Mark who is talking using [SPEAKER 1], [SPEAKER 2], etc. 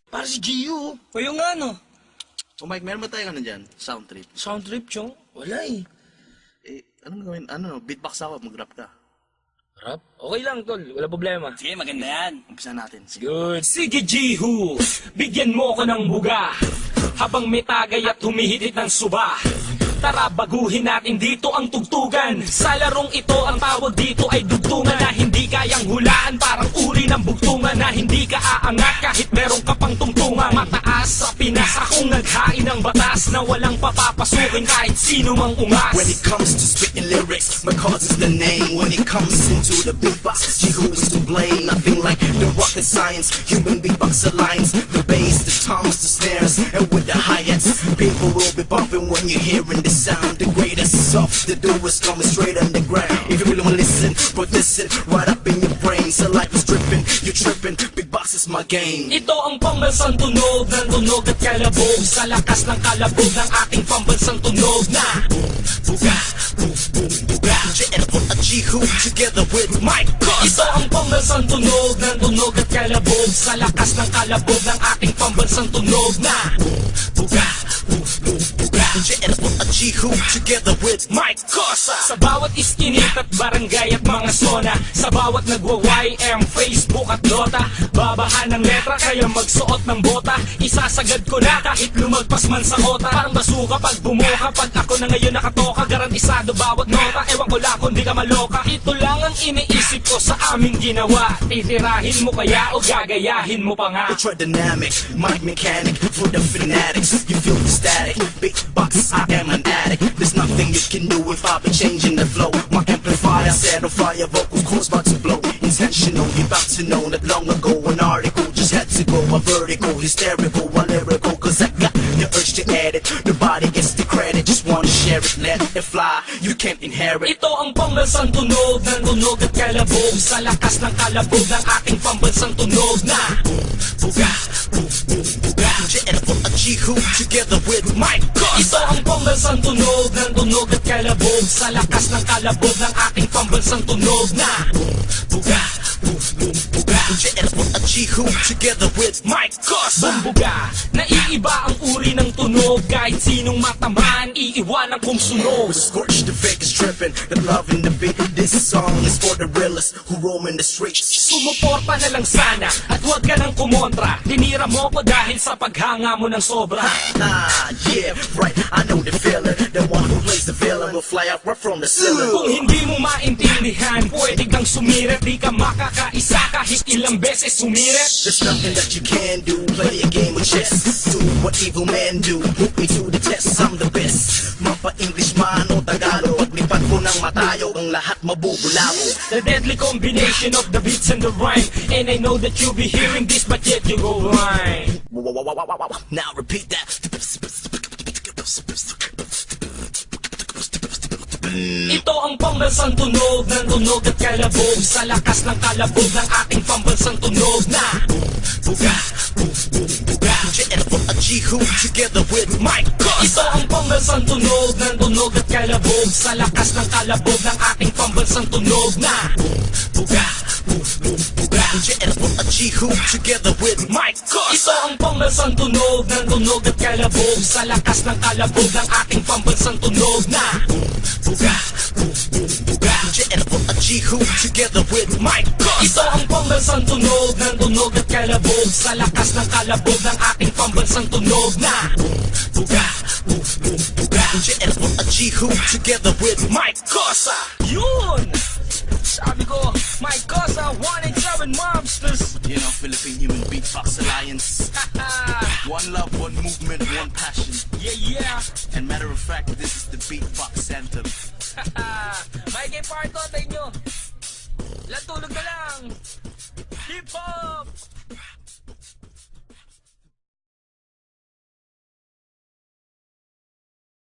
[SPEAKER 1] Para si Gio.
[SPEAKER 2] O yung ano?
[SPEAKER 1] O Mike, meron ba tayo ano dyan? Sound trip.
[SPEAKER 2] Sound trip, chong? Wala eh.
[SPEAKER 1] Eh, anong gawin? Ano, beatbox ako, mag-rap ka.
[SPEAKER 2] Rap? Okay lang, tol. Wala problema.
[SPEAKER 3] Sige, maganda yan.
[SPEAKER 1] Umpisa natin. Sige.
[SPEAKER 2] Good. Sige, Jihu. Bigyan mo ko ng buga. Habang may tagay at humihitit ng suba. Tara, baguhin natin dito ang tugtugan. Sa larong ito, ang tawag dito ay dugtungan na hindi kayang hulaan. Parang uri ng bugtungan na hindi ka aangat kahit meron ka pang tungtungan. Mataas sa Pinas, akong naghain ng batas na walang papapasukin kahit sino mang ungas.
[SPEAKER 4] When it comes to spitting lyrics, my cause is the name. When it comes into the beatbox, Jihu is to blame. Nothing like the rocket science, human beatbox alliance. The bass, the toms, the snares, and with the hi-hats, people will be bumping when you're hearing the sound. The greatest of the doers coming straight on the ground. If you really wanna listen, put this in right up in your brain. So life is dripping, you're tripping. Beatbox is my game.
[SPEAKER 2] Ito ang pambansang tunog ng tunog at kalabog. Sa lakas ng kalabog ng ating pambansang tunog na buga, buga.
[SPEAKER 4] JL at Jihu together with Mike Cos.
[SPEAKER 2] Ito ang pambansang tunog ng tunog at kalabog. Sa lakas ng kalabog ng ating pambansang tunog na buga, buga.
[SPEAKER 4] JL at Jihu together with Mike Cosa.
[SPEAKER 2] Sa bawat iskinit at barangay at mga zona, sa bawat nagwa-YM, Facebook at Dota, babahan ng letra kaya magsuot ng bota. Isasagad ko na kahit lumagpas man sa kota. Parang basuka pag bumuka, pag ako na ngayon nakatoka. Garantisado bawat nota, ewan ko lang kung di ka maloka. Ito lang ang iniisip ko sa aming ginawa. Titirahin mo kaya o gagayahin mo pa nga?
[SPEAKER 4] Ultra dynamic, mic mechanic for the fanatics. You feel the static, big box, I am an addict. There's nothing you can do if I be changing the flow. My amplifier set on fire, vocals course about to blow. Intentional, you about to know that long ago an article just had to go a vertical, hysterical, a lyrical. Cause I got the urge to edit. Nobody gets the credit, just wanna share it, let it fly. You can't inherit.
[SPEAKER 2] Ito ang pambansang tunog ng tunog at kalabog. Sa lakas ng kalabog ng ating pambansang tunog na buga, buga.
[SPEAKER 4] JL at Jihu together with Mike Cos.
[SPEAKER 2] Ito ang pambansang tunog ng tunog at kalabog. Sa lakas ng kalabog ng ating pambansang tunog na buga, buga.
[SPEAKER 4] JL at Jihu together with Mike Cos.
[SPEAKER 2] Bumbuga, naiiba ang uri ng tunog. Kahit sinong matamaan, iiwanan kong sunog.
[SPEAKER 4] Scorch the fake is tripping, the love in the beat. This song is for the realists who roam in the streets.
[SPEAKER 2] Sumuporta na lang sana at huwag ka nang kumontra. Tinira mo ko dahil sa paghanga mo ng sobra.
[SPEAKER 4] Ah, yeah, right, I know the feeling. The one who plays the villain will fly out right from the ceiling.
[SPEAKER 2] Kung hindi mo maintindihan, pwede kang sumirit. Di ka makakaisa kahit ilang beses sumirit.
[SPEAKER 4] There's nothing that you can do, play a game of chess. Do what evil men do, put me to the test. I'm the best, mapa-English man o Tagalog. Paglipat ko ng matayo, ang lahat mabubulabo.
[SPEAKER 2] The deadly combination of the beats and the rhyme. And I know that you'll be hearing this, but yet you go blind.
[SPEAKER 4] Now repeat that.
[SPEAKER 2] Ito ang pambansang tunog ng tunog at kalabog. Sa lakas ng kalabog ng ating pambansang tunog na buga, buga.
[SPEAKER 4] JL at Jihu together with Mike Cos.
[SPEAKER 2] Ito ang pambansang tunog ng tunog at kalabog. Sa lakas ng kalabog ng ating pambansang tunog na buga, buga.
[SPEAKER 4] JL at Jihu together with Mike Cos.
[SPEAKER 2] Ito ang pambansang tunog ng tunog at kalabog. Sa lakas ng kalabog ng ating pambansang tunog na buga, buga.
[SPEAKER 4] JL at Jihu together with Mike Cos.
[SPEAKER 2] Ito ang pambansang tunog ng tunog at kalabog. Sa lakas ng kalabog ng ating pambansang tunog na buga, buga.
[SPEAKER 4] JL at Jihu together with Mike Cosa.
[SPEAKER 2] Yun! Sabi ko, my Cosa, 187 Monsters.
[SPEAKER 1] You know, Philippine Human Beatbox Alliance. One love, one movement, one passion.
[SPEAKER 2] Yeah, yeah.
[SPEAKER 1] And matter of fact, this is the Beatbox Anthem.
[SPEAKER 2] May kay parto tayo nyo. Tulog na lang.